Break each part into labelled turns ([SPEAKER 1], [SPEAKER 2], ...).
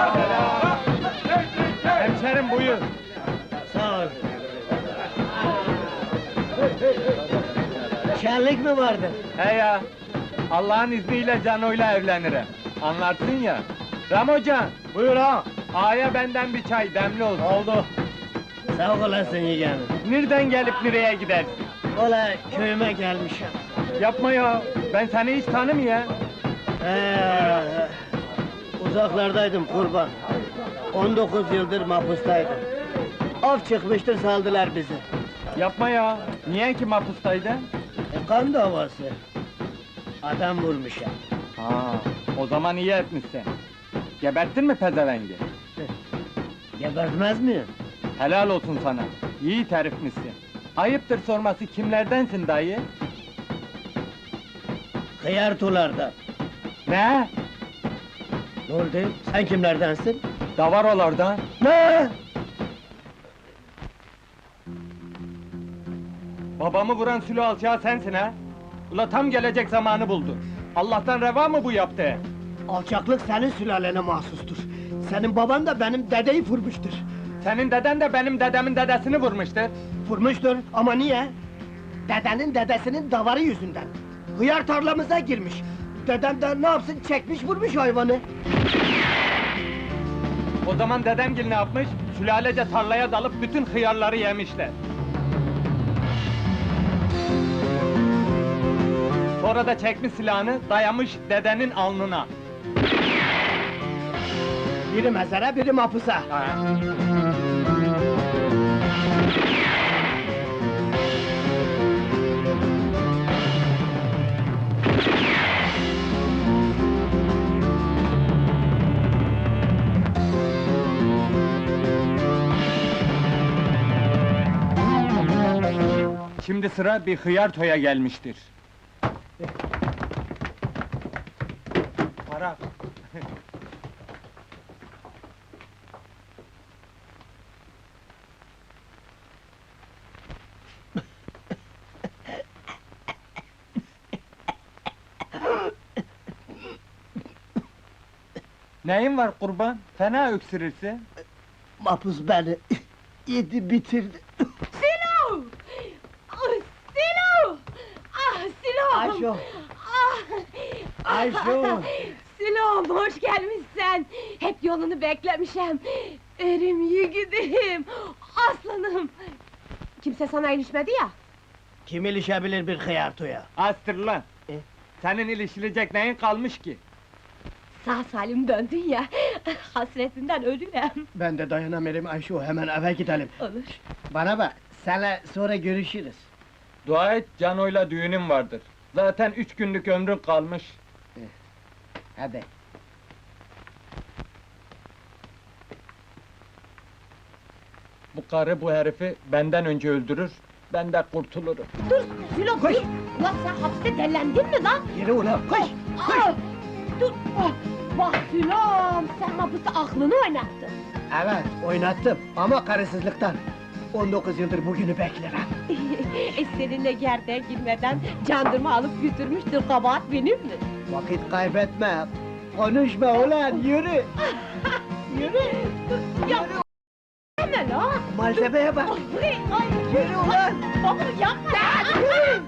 [SPEAKER 1] Hemşerim buyur.
[SPEAKER 2] Sağ ol. Şenlik mi vardı?
[SPEAKER 1] He ya, Allah'ın izniyle Cano'yla evlenirim. Anlarsın ya. Ramocan,
[SPEAKER 2] Buyur ha.
[SPEAKER 1] ağaya benden bir çay demli olsun.
[SPEAKER 2] Oldu. Sağ olasın yeğenim.
[SPEAKER 1] Nereden gelip nereye gidersin?
[SPEAKER 2] Ola köyüme gelmişim.
[SPEAKER 1] Yapma ya, ben seni hiç tanımıyorum.
[SPEAKER 2] Uzaklardaydım kurban. 19 yıldır mahpustaydım. Af çıkmıştır saldılar bizi.
[SPEAKER 1] Yapma ya, niye ki mahpustaydın?
[SPEAKER 2] Kan davası. Adam vurmuşum.
[SPEAKER 1] Ha, o zaman iyi etmişsin. Geberttin mi pezevengi?
[SPEAKER 2] Gebertmez miyim?
[SPEAKER 1] Helal olsun sana, iyi terifmişsin. Ayıptır sorması kimlerdensin dayı?
[SPEAKER 2] Hıyartulardan.
[SPEAKER 1] Ne?
[SPEAKER 2] Ne oldu? Sen kimlerdensin?
[SPEAKER 1] Davarolardan.
[SPEAKER 2] Ne?
[SPEAKER 1] Babamı vuran sülü alçağı sensin ha? Ula tam gelecek zamanı buldu. Allah'tan reva mı bu yaptı?
[SPEAKER 2] Alçaklık senin sülalene mahsustur. Senin baban da benim dedeyi vurmuştur.
[SPEAKER 1] Senin deden de benim dedemin dedesini vurmuştur.
[SPEAKER 2] Vurmuştur ama niye? Dedenin dedesinin davarı yüzünden. Hıyar tarlamıza girmiş. Dedem de ne yapsın çekmiş vurmuş hayvanı.
[SPEAKER 1] O zaman dedemgil ne yapmış? Sülalece tarlaya dalıp bütün hıyarları yemişler. Sonra da çekmiş silahını, dayamış dedenin alnına.
[SPEAKER 2] Biri mezara, biri mahpusa.
[SPEAKER 1] Ha. Şimdi sıra bir hıyar toya gelmiştir. Para. Neyin var kurban? Fena öksürürsün.
[SPEAKER 2] Mahpus beni yedi bitirdi.
[SPEAKER 3] Silo! Ah, Silo! Ah, Silo!
[SPEAKER 2] Ayşo!
[SPEAKER 3] Ah!
[SPEAKER 2] Ayşo!
[SPEAKER 3] Silom, hoş gelmişsen! Hep yolunu beklemişim! Erim yiğidim! Aslanım! Kimse sana ilişmedi ya?
[SPEAKER 2] Kim ilişebilir bir hıyartuya?
[SPEAKER 1] Astır lan!
[SPEAKER 2] E?
[SPEAKER 1] Senin ilişilecek neyin kalmış ki?
[SPEAKER 3] Sağ salim döndün ya! Hasretinden ölürüm!
[SPEAKER 2] Ben de dayanamıyorum Ayşo, hemen eve gidelim.
[SPEAKER 3] Olur!
[SPEAKER 2] Bana bak, seninle sonra görüşürüz.
[SPEAKER 1] Dua et, Cano'yla düğünüm vardır. Zaten 3 günlük ömrün kalmış.
[SPEAKER 2] Hadi.
[SPEAKER 1] Bu karı bu herifi benden önce öldürür, ben de kurtulurum.
[SPEAKER 3] Dur, Silo,
[SPEAKER 2] Koş!
[SPEAKER 3] dur! Ulan sen hapiste dellendin mi lan?
[SPEAKER 2] Yürü ulan, koş!
[SPEAKER 3] Ah! Dur! Ah! Bak Sülom, sen hapiste aklını oynattın!
[SPEAKER 2] Evet, oynattım ama karısızlıktan. 19 yıldır bugünü beklerim.
[SPEAKER 3] Seninle gerdeğe girmeden candırma alıp götürmüştür, kabahat benim mi?
[SPEAKER 2] Vakit kaybetme! Konuşma ulan, yürü! Yürü!
[SPEAKER 3] Ya! Deme la!
[SPEAKER 2] Malzemeye bak!
[SPEAKER 3] Ay, ay!
[SPEAKER 2] Yürü ulan!
[SPEAKER 3] Baba yapma!
[SPEAKER 2] Yürü!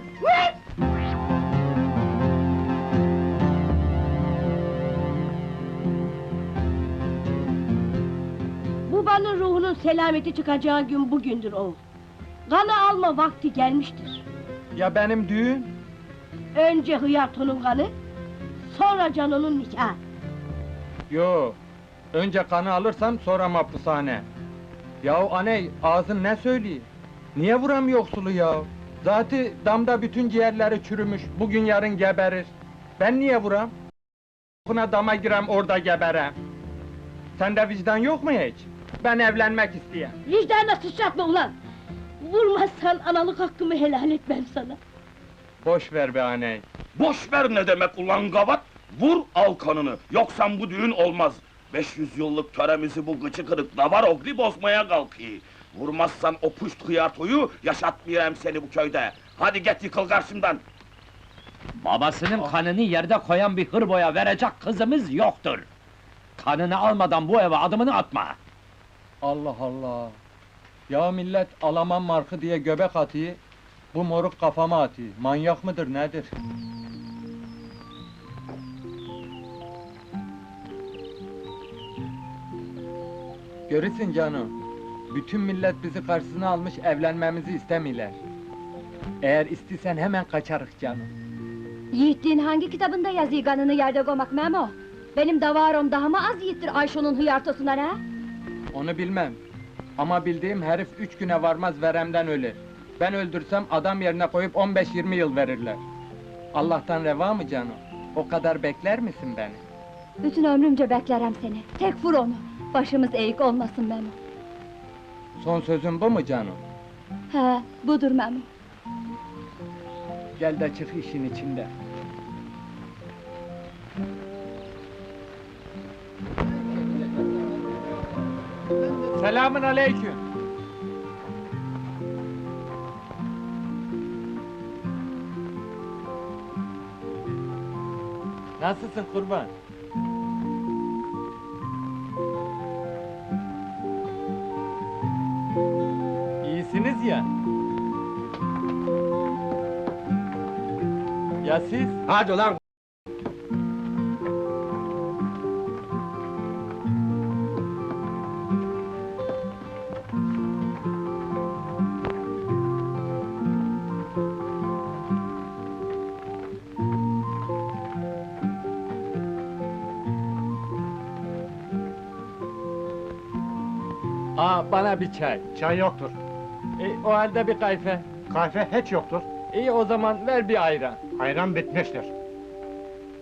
[SPEAKER 4] Babanın ruhunun selameti çıkacağı gün bugündür oğul. Kanı alma vakti gelmiştir.
[SPEAKER 1] Ya benim düğün?
[SPEAKER 4] Önce Hıyarto'nun kanı, sonra Cano'nun nikahı.
[SPEAKER 1] Yo, önce kanı alırsam sonra mahpushane. Yahu aney, ağzın ne söylüyor? Niye vuram yoksulu ya? Zaten damda bütün ciğerleri çürümüş, bugün yarın geberir. Ben niye vuram? Buna dama girem, orada geberem. Sende vicdan yok mu hiç? Ben evlenmek isteyen.
[SPEAKER 4] Vicdanına sıçratma ulan! Vurmazsan analık hakkımı helal etmem sana.
[SPEAKER 1] Boş ver be aney.
[SPEAKER 5] Boş ver ne demek ulan gavat? Vur al kanını, yoksa bu düğün olmaz. 500 yıllık töremizi bu gıçı kırık davar ogli bozmaya kalkıyor. Vurmazsan o puşt hıyartoyu, yaşatmayayım seni bu köyde. Hadi git yıkıl karşımdan!
[SPEAKER 6] Babasının kanını yerde koyan bir hırboya verecek kızımız yoktur. Kanını almadan bu eve adımını atma!
[SPEAKER 1] Allah Allah! Ya millet Alaman markı diye göbek atıyor, bu moruk kafama atıyor. Manyak mıdır nedir? Görürsün canım, bütün millet bizi karşısına almış evlenmemizi istemiyorlar. Eğer istisen hemen kaçarık canım.
[SPEAKER 7] Yiğitliğin hangi kitabında yazıyor kanını yerde koymak Memo? Benim davarom daha mı az yiğittir Ayşo'nun hıyartosuna ne?
[SPEAKER 1] Onu bilmem. Ama bildiğim herif 3 güne varmaz veremden ölür. Ben öldürsem adam yerine koyup 15-20 yıl verirler. Allah'tan reva mı canım? O kadar bekler misin beni?
[SPEAKER 7] Bütün ömrümce beklerim seni. Tek vur onu. Başımız eğik olmasın Memo.
[SPEAKER 1] Son sözün bu mu canım?
[SPEAKER 7] He, budur Memo.
[SPEAKER 1] Gel de çık işin içinde. Selamün aleyküm. Nasılsın kurban? İyisiniz ya. Ya siz?
[SPEAKER 2] Hadi ulan!
[SPEAKER 1] Bana bir çay.
[SPEAKER 8] Çay yoktur.
[SPEAKER 1] O halde bir kayfe.
[SPEAKER 8] Kahve hiç yoktur.
[SPEAKER 1] İyi o zaman ver bir ayran.
[SPEAKER 8] Ayran bitmiştir.